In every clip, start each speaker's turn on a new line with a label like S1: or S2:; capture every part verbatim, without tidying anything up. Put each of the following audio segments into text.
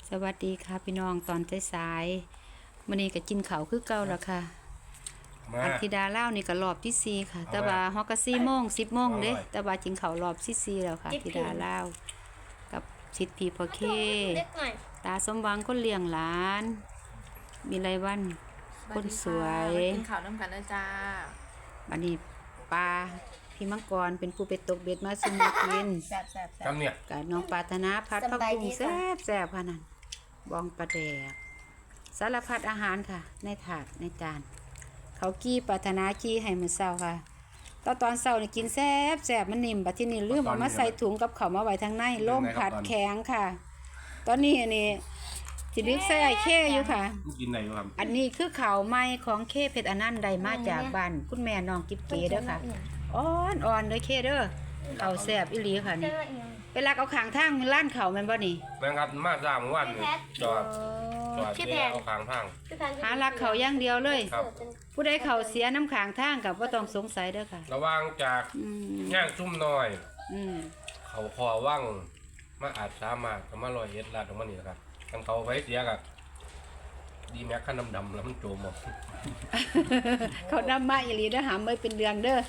S1: สวัสดีค่ะพี่น้องตอนสายๆมื้อนี้ก็กินข้าวคือเก่าแล้วค่ะอันธิดาเล่านี่ก็รอบที่สี่ค่ะแต่ว่าฮอกก็สี่โมงสิบโมงเด้แต่ว่ากินข้าวรอบที่สี่แล้วค่ะธิดาเล่ากับสิทธิพีพ่อเคตาสมหวังคนเลี้ยงหลานมีไรวันคนสวย
S2: กินข้าวน้ำกันนะจ้า
S1: บัดนี้ปลาพี่มังกรเป็นผู้ไปตกเบ็ดมาซุ่มกิน
S2: แซ่บแซ่บ
S3: จำเนี่ย
S1: กับน้องปรารถนาพัดผักบุ้งแซ่บแซ่บค่ะนั่นบองปลาแดกสารพัดอาหารค่ะในถาดในจานเขากี้ปรารถนากี้ให้มื้อเช้าค่ะตอนตอนเช้านี่กินแซ่บแซ่บมันนิ่มบัดทีนี้ลืมเอามาใส่ถุงกับข้าวมาไว้ทางในลมผัดแข็งค่ะ ตอนนี้อันนี้สิดึกใส่ไอ้เข้อยู่ค่ะ
S3: กินไหนครับ
S1: อันนี้คือข้าวใหม่ของเข้เพชรอนันต์ได้มาจากบ้านคุณแม่น้องกิ๊บเก๋เด้อค่ะอ่อนอ่อนเลยเข้เด้อข้าวแซ่บอีหลีค่ะนี่เวลาเอาข้างทางมีร้านข้าวแม่นบ่นี่
S3: แม่ครับมาสามวันจอดจอดเอาข้างทาง
S1: หารักเขาอย่างเดียวเลยผู้ใดเขาเสียน้ำข้างทางกับว่าต้องสงสัยเด้อค่ะ
S3: ระวังจากย่างซุ่มน้อยเขาคอว่างมาอาจสามารถมาลอยเอ็ดลาดตรงนี้นะครับทางเขาไว้เสียกับดีแม็กขั้นดำๆแล้วมันโจมหมด
S1: เขาดำมาอีหลีเด้อหามไม่เป็นเดือนเด้อ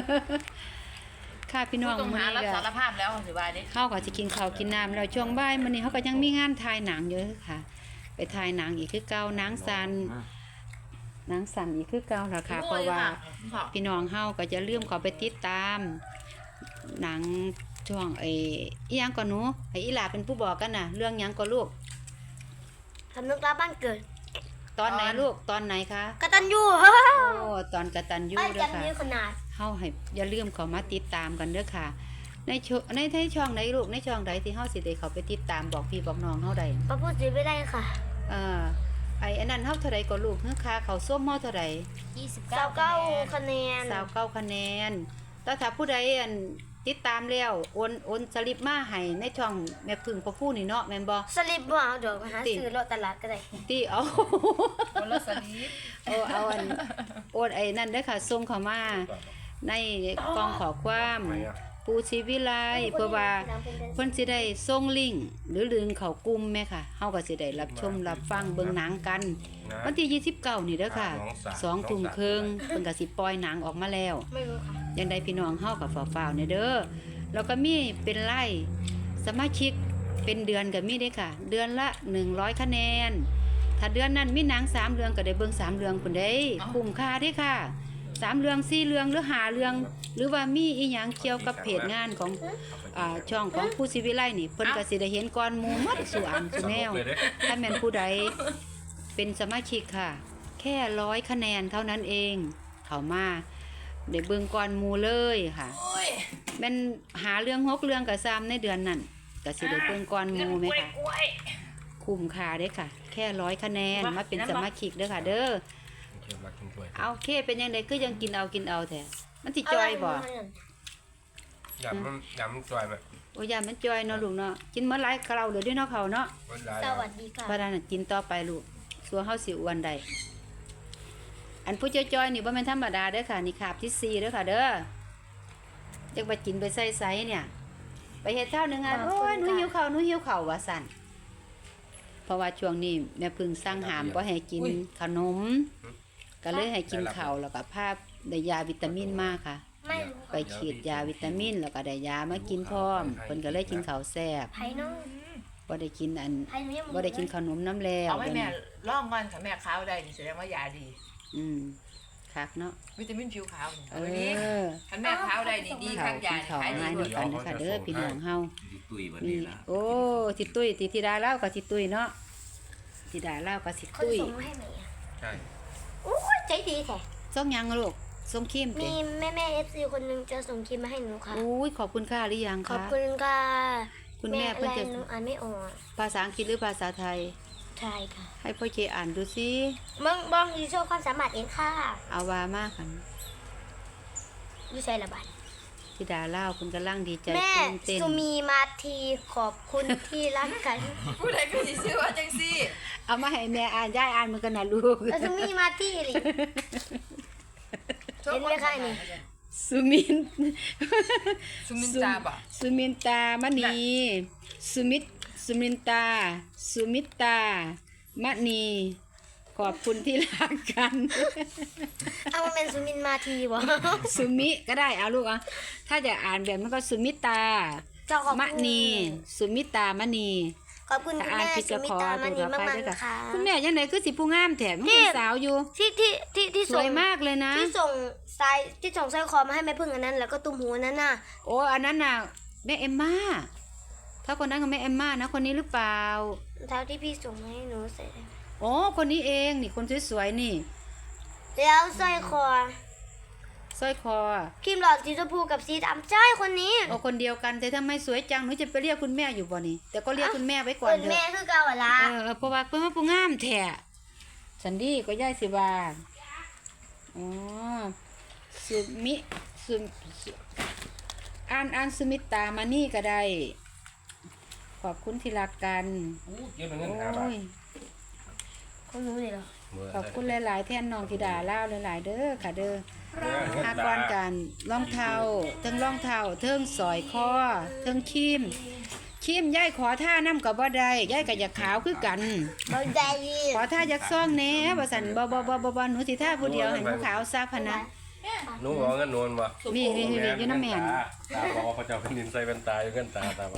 S1: ค่ะพี่น้อง
S2: มื้อนี้รับสารภาพแล้วถือว่าดิ
S1: เฮาก็สิกินข้าวกินน้ำแล้วช่วงบ่ายมื้อนี้เฮาก็ยังมีงานถ่ายหนังอยู่ค่ะไปถ่ายหนังอีกคือเก่าหนังสันหนังสันอีกคือเก่าล่ะค่ะเพราะว่าพี่น้องเฮาก็จะลืมเข้าไปติดตามหนังช่วงไอ้อีหยังก็หนูไอ้อีหลาเป็นผู้บอกกันน่ะเรื่องหยังก็ลูก
S4: สำนึกรักบ้านเกิด
S1: ตอนไหนลูกตอนไหนคะ
S4: กตัญญู
S1: โอ้ตอนกตัญญูเด้อค่ะเฮาให้อย่าลืมเข้ามาติดตามกันเด้อค่ะในช่องในในช่องไหนลูกในช่องใดที่เฮาสิได้เข้าไปติดตามบอกพี่บอกน้องเฮาได้
S4: บ่พูดสิไม่ได้ค่ะ
S1: เออไอ้อันนั้นเฮาเท่าใดก็ลูกเฮือค่าเขาส้มเฮาเท่าใด
S4: ยี่สิบเก้าคะแนน
S1: ยี่สิบเก้าคะแนนแต่ถ้าผู้ใดอันติดตามแล้วโอนโอนสลิปมาให้ในช่องแม่พึ่งพ่อผู้นี่เนาะแม่นบ่
S4: สลิปบ่เอาดอกหาซื้อรถตลาดก็ได้
S1: ติเอา
S2: โอนละสลิป
S1: โอ้เอาอันโอนไอ้นั่นเด้อค่ะส่งเข้ามาในกล่องข้อความปูชีวิไลเพื่อว่าเพิ่นสิได้ส่งลิงก์หรือลึงเข้ากลุ่มแม่ค่ะเฮาก็สิได้รับชมรับฟังเบิ่งหนังกันวันที่ยี่สิบเก้านี่เด้อค่ะสองทุ่มครึ่งเพิ่นก็สิปล่อยหนังออกมาแล้ว
S4: ไม่รู้ค่ะ
S1: ยังได้พี่น้องเฮากับฝ่าวๆเนี่ยเด้อแล้วก็มีเป็นไล่สมาชิกเป็นเดือนก็มีเด้ค่ะเดือนละหนึ่งร้อยคะแนนถ้าเดือนนั้นมีหนังสามเรื่องก็ได้เบิ่งสามเรื่องพุ่นเด้คุ้มค่าเด้ค่ะสามเรื่องสี่เรื่องหรือห้าเรื่องหรือว่ามีอีหยังเกี่ยวกับเพจงานของอ่าช่องของผู้ชีวิไลนี่เพิ่นก็สิได้เห็นก่อนหมู่หมดสู่อันสู่แนวถ้าแม่นผู้ใดเป็นสมาชิกค่ะแค่ร้อยคะแนนเท่านั้นเองเข้ามาได้เบิ่งก่อนหมู่เลยค่ะแม่นหาเรื่องหกเรื่องก็ซ้ำในเดือนนั้นก็สิได้เบิ่งก่อนหมู่แม่ค่ะคุ้มค่าเด้ค่ะแค่ร้อยคะแนนมาเป็นสมาชิกเด้อค่ะเด้อเอาเคเป็นยังไงคือยังกินเอากินเอาแท้มันสิจอยบ่
S3: ยำมันยำมันจอยไหม
S1: โอ้ยามันจอยเนาะลูกเนาะกินมื้อหลายคราวเด้อด้วยเนาะเขาเนาะ
S4: สวัสดีค่ะ
S1: เพราะนั้นกินต่อไปลูกสัวเฮาสิอ้วนได้อันผู้จอยๆนี่บ่แม่นธรรมดาเด้อค่ะนี่คาบที่สี่เด้อค่ะเด้อจักไปกินไปใส่ๆเนี่ยไปเฮ็ดเท่านึงอ่ะโอ้ยหนูหิวข้าวหนูหิวข้าวว่าซั่นเพราะว่าช่วงนี้แม่พึ่งสั่งห้ามบ่ให้กินขนมก็เลยให้กินข้าวแล้วก็พาได้ยาวิตามินมาค่ะไปฉีดยาวิตามินแล้วก็ได้ยามากินพร้อมเพิ่นก็เลยกินข้าวแซ่บบ่ได้กินอันบ่ได้กินขนมน้ำแล้ว
S2: เอาให้แม่ลองก่อนค่ะแม่ขาวได้นี่แสดงว่ายาดี
S1: อืมคักเนาะ
S2: วิตามินผิวขาว
S1: เออ
S2: คันแม่ขาวได้นี่ดีคักยา
S1: ขายดีเหมือนกันนะคะเด้อพี่น้องเฮา
S3: นี่
S1: โอ้ติตุ้ยติธิดาเล่ากับติตุ้ยเนาะธิดาเล่ากับสิตุ้ย
S4: ส่งให้ไหมอ่ะ
S3: ใช่
S4: โอ้ยใจดีแท้
S1: ส่งยังลูกส่งครีม
S4: มีแม่แม่ เอฟ ซี คนนึงจะส่งครีมมาให้หนูค่ะ
S1: อุ้ยขอบคุณค่ะหรือยังคะ
S4: ขอบคุณค่ะ
S1: คุณแม่เพิ่นจะ
S4: อ่านไม่ออก
S1: ภาษาอังกฤษหรือภาษาไทย
S4: ใช่ค่ะ
S1: ให้พ่อเคอ่านดูสิ
S4: เบิ่งบ้องอีโชว์ความสามารถเองค่ะ
S1: เอาว่ามากค่ะ
S4: อยู่ใส่ละบาท
S1: ธิดาเล่าคุณกำลังดีใจ
S4: แม่สุมีมาทีขอบคุณที่รักกัน
S2: ผู้ใดก็สิชื่อว่าจังซี่
S1: เอามาให้แม่อ่านยายอ่านเหมือนกันนะลูก
S4: สุมีมาทีเลยเห็นไหมคะนี่
S1: สุมิน
S2: สุมินตาบ่
S1: สุมินตามณีสุมิตสุมินตา สุมิตามะนีขอบคุณที่รักกัน
S4: เอามาเป็นสุมินมาทีวะ
S1: สุมิก็ได้เอาลูกอ่ะถ้าจะอ่านแบบมันก็สุมิตา
S4: เจ้าขอบ
S1: มะ
S4: คุณ
S1: นีสุมิตามะนี
S4: ขอบคุณ
S1: ถ้า
S4: คุณ
S1: อ่าน
S4: แม่
S1: ผิด
S4: สุ
S1: ก็
S4: มิ
S1: ขอ
S4: ตา
S1: ตั
S4: มานี
S1: วไป
S4: มาก
S1: ด้วย
S4: ๆ
S1: ค่ะ
S4: นะคะ
S1: คุณแม่ยังไงคือสิผู้งามแถมยังเป็นสาวอยู่
S4: ที่ที่ที่ที่
S1: ส
S4: ส่
S1: ว
S4: ง
S1: ยมากเลยนะ
S4: ที่ส่งสายที่ส่งสร้อยคอมาให้แม่พึ่งอันนั้น แล้วก็ตุ้มหูอันนั้นน่ะ
S1: โอ้อันนั้นน่ะแม่เอมม่าถ้าคนนั้นก็แม่เอมม่านะคนนี้หรือเปล่า
S4: เท้าที่พี่ส่งมาให้หนูใส่
S1: โอ้คนนี้เองนี่คนสวยๆนี่
S4: แล้วสร้อยคอ
S1: สร้อยคอ
S4: ครีมหลอดสีชมพูกับสีดำใช่คนนี้
S1: โอ้คนเดียวกันแต่ทำไมสวยจังหนูจะไปเรียกคุณแม่อยู่บ่นี่แต่ก็เรียกคุณแม่ไว้ก่อน
S4: เปิด
S1: เถ
S4: แม่
S1: อะ
S4: คือเก่าอะละ
S1: เออเพราะว่าเพิ่นว่าผู้งามแท้สันดีก็ย่ายสิบาอ๋อสุมิสุสุอ่านอ่านสุมิตามานี่ก็ได้ ขอบคุณที่รักกัน
S3: อู้เก็บเงิน
S1: โอ้
S3: หาบาท
S1: ย
S4: เขารู้เลยเหรอ
S1: ขอบคุณหลายๆแท่นน้องธิดาเล่าวหลายๆเด้อค่ะเด้อ
S3: เงิน
S1: อาก
S3: บาร ท
S1: กันรองเท้าเทิงรองเท้าเทิงสอยคอเทิงครีมครีมย่ายขอท่าน้ำกับบ่ได้ย่ายก็อยากขาวคือกัน
S4: เบาใจ
S1: ขอท่าอยากซ่องแหน่บ่สั่นบ่บ่บ่บ่บ่หนูสิท่าผู้เดียวให้หนูขาวซะพะนะ
S3: หนูบอกเงินนวลบ่
S1: มีมีมีอยู่น้ำแม่น
S3: ตาบอกว่าเขาจะเอาแผ่นดินใส่แว่นตาอยู่เงินตาตาบ่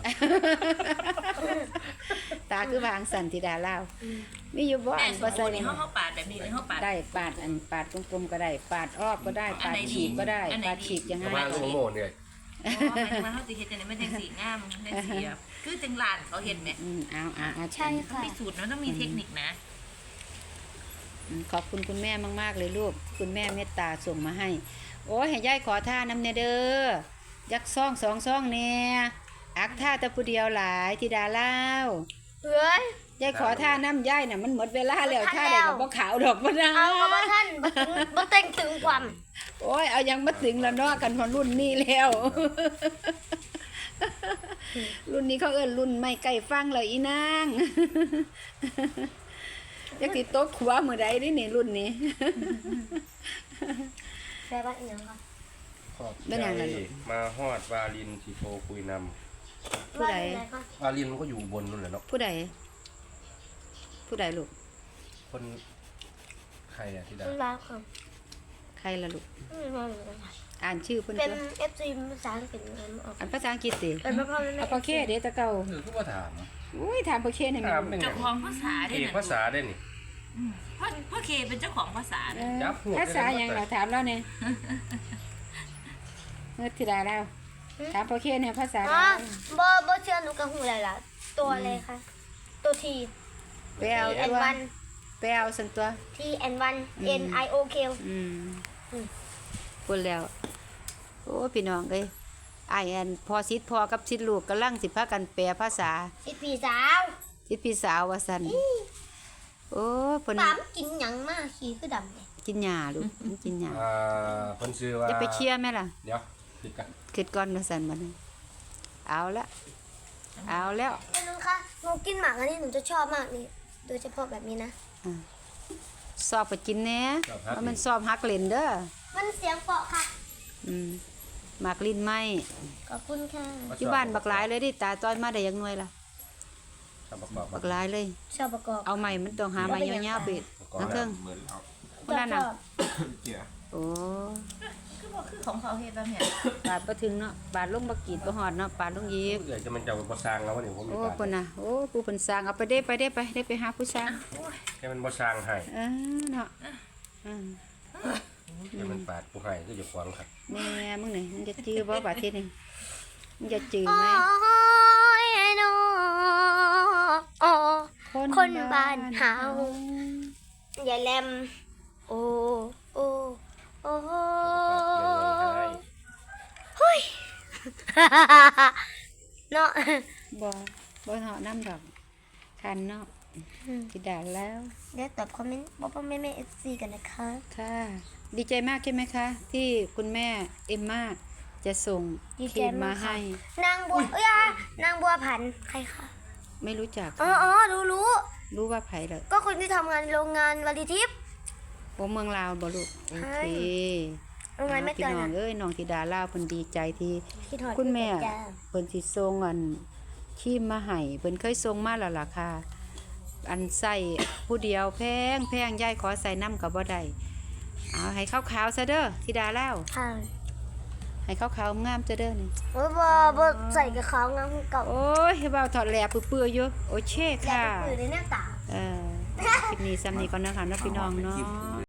S1: ตาคือวางสันธิดาเล่าวมีอยู่บ่
S2: แม่
S1: อัน
S2: ส
S1: บ่
S2: ม
S1: ใส่
S2: บูรณ์นี่เขาเขาปาดแบบนี้เลยเขาปาด
S1: ได้ปาดอันปาดกลมๆก็ได้ ปาดออกก็ได้
S2: อัน
S1: ปาด
S2: ไหนดี
S1: ฉีกก็ได้
S2: อันไหน
S1: ปาด
S2: ดี
S1: ฉีกยังไง
S3: ประมาณลูกโม่เนี่ย
S2: อ๋อหมายถึงว่าเขาจะเฮ็ดจังได๋มันจังสีงามจังสีแบบคือจังหลานเขาเห็นไหม
S1: อืมเอาเอาเอา
S4: ใช่ค่ะ
S2: มีสูตรมันต้องมีเทคนิคนะ
S1: อืมขอบคุณคุณแม่มากๆเลยลูกที่คุณแม่เมตตาส่งมาให้ โอ้ยให้ยายขอท่าน้ำเนี่ยเด้อยักซ่องสองซ่องเนี่ยอักท่าแต่ผู้เดียวหลายธิดาเล่าว
S4: เฮ้ย
S1: ยายขอท่าน้ำยายน่ะมันหมดเวลาแล้วท่าใดก็บ่ขาวดอกบ่นะ
S4: เอากับว่าท่านบ่ถึงบ่แต่งถึงความ
S1: โอ้ยเอายังมาถึงแล้วเนาะกันพอรุ่นนี้แล้ว รุ่นนี้เขาเอิ้นรุ่นไม่ใกล้ฟังแล้วอีนาง จักสิตกขัวมื้อใดเด้นี่รุ่นนี้
S4: แปลว่าอีหยังคะ
S3: ขอบ
S1: เป็นหยัง
S3: ใจ
S1: ล่ะลูก
S3: มาฮอดวาลินสิโทรคุยนำ
S1: ผู้ใด
S4: ว่าอะไรคะ
S3: วาลินมันก็อยู่บนนู่นแหละเนาะ
S1: ผู้ใด ผู้ใดลูก
S3: คนใครอะที่ดา
S4: คุณรักค่ะ
S1: ใครล่ะลูก
S4: อืมว่าอะไรคะ
S1: อ่านชื่อเพิ่น
S4: เป็น
S1: ตัว
S4: เอฟซีภาษาอังกฤษเหมือนกันออก
S1: อ่านภาษาอังกฤษสิ
S4: เป็นพ่อแม่
S1: เอาพอเคเด้ตะเก่า
S3: คือคือว่าถาม
S1: อุ้ยถามพอเคให้แม่
S3: ถามเป็นไง
S2: เจ้าของภาษา
S3: เอ
S2: เนี่ย
S3: กภาษาได้นี่
S2: พ่อพ่อเคเป็นเจ้าของภาษา
S1: เอ
S2: เนี่ย
S1: อ
S3: จับหัว
S1: ภาษาหยังล่ะถามแล้วเนี่ยเมื่อธิดาแล้วถามพอเคเนี่ยภาษา
S4: อ๋อ
S1: ลาว
S4: บ่บ่เชื่อหนูกับหูอะไรล่ะ ตัวอะไรคะตัวที
S1: ไปเอา
S4: แอน
S1: ตัว
S4: วัน
S1: ไปเอาสันตัว
S4: ทีแอนวัน N I O K
S1: อืม
S4: อืม
S1: พูดแล้ว โอ้พี่น้องเอ้ยไอายอันพอซิดพอกับซิดลูกกำลังสิพากันแปลภาษา
S4: สิพี่สาว
S1: ซิดพี่สาวว่าสันโอ้เพิ่น
S4: ปามกินหยังมากขี้คือดำเนี่ย
S1: กินหญ้าลูกมันกินหญ้า
S3: อ่าเพิ่นชื่อว่า
S1: จะไปเชียร์ไหมล่ะ
S3: เดี๋ยวคิดกัน
S1: คิดก่อนว่าสันบัดนี้เอาละเอาแล้ว
S4: แม่นุ้งคะหนูกินหมากอันนี้หนูจะชอบมากนี่โดยเฉพาะแบบนี้นะ
S1: สอบก็กินแหน่ว่ามันสอบฮักเล่นเด้อ
S4: มันเสียงเปาะค่ะ
S1: อืมหมากลิ้นไหม
S4: ขอบคุณค่ะ
S1: อยู่บ้านบักหลายเลยดิตาต้อยมาได้ยังหน่วยล่ะ
S3: ทำประกอบ
S1: บักหลายเลย
S4: ชอบประกอบ
S1: เอาใหม่มันต้องหาใหม่ยาวๆไปทั้งเครื่อง
S3: เหมือนเอา
S1: คนนั้นน่ะ
S4: ชอบ
S3: เกี่ย
S1: โอ้
S2: คือบอกคือของเขาเฮ็ดแบบเนี่ย
S1: บาดบ่ถึงเนาะบาดลงบ่กีดบ่ฮอดเนาะบาดลงยีก
S3: เดี๋ยวจะมันจะบ่สร้างแล้ววันนี้ผมมี
S1: โอ้
S3: การ
S1: เพิ่นน่ะโอ้ผู้เพิ่นสร้างเอาไปเด้ไปเด้ไปได้ไปหาผู้สร้าง
S3: แค่มันบ่สร้างให้
S1: เออเนาะอืม
S3: แค่มันปาดผู้ให้ก็จะขวางครับ
S1: แม่มึงนี่มึงจะจื้อบ่บาดทีนี้มึงจะจื้อ
S4: โอ้
S1: ไหม
S4: ยโนโอ้คนบ้านเฮาอย่าแลมโอ้โอ้โอ้เฮ้ย เนาะ
S1: บ่บ่เหาะน้ำดอกคันเนาะสิด่าแล้ว
S4: เดี๋ยวตอบคอมเมนต์บอกพ่อแม่แม่เอฟซีกันนะคะ
S1: ค่ะ ดีใจมากใช่ไหมคะ ที่คุณแม่เอ็มมาจะส่ง
S4: ดี
S1: ค
S4: ใจ
S1: รีม
S4: มาม
S1: าก
S4: ค่ะ
S1: ให้
S4: นางบัวเอ้ยอ่ะนางบัวผันใครคะ
S1: ไม่รู้จัก
S4: อ๋ออ๋อรู้รู้
S1: รู้ว่าไผเลย
S4: ก็คนที่ทำงานโรงงานวาริทิพย์
S1: โอ้เมืองลาวบ่ลูกโอ
S4: ใช่
S1: เค
S4: โรงงานแม่
S1: พี่
S4: จอย
S1: น้อง
S4: นะ
S1: เอ้ยน้องธิดาลาวเพิ่นดีใจที่
S4: คิดถอด
S1: คุณแม่
S4: จ้า
S1: เพิ่นสิส่งอันครีมมาให้เพิ่นเคยส่งมาแล้วล่ะค่ะอันใส่ผู้เดียวแพงแพงยายขอใส่น้ำก็บ่ได้เอาให้ขาวๆซะเด้อธิดาแล้ว
S4: ค่ะ
S1: ให้ขาวๆงามซะเด้อนี่
S4: โอ้บ่บ่ใส่กับเขางั้นเก่า
S1: โอ้ยเบาถอดแหลบเปื่อยๆอยู่โอเค
S4: อย่า
S1: ค่ะ
S4: ไปปืนในหน้าตา
S1: เออคลิปนี้ซ้ำนี้ก่อนนะคะเนาะพี่น้องเนาะ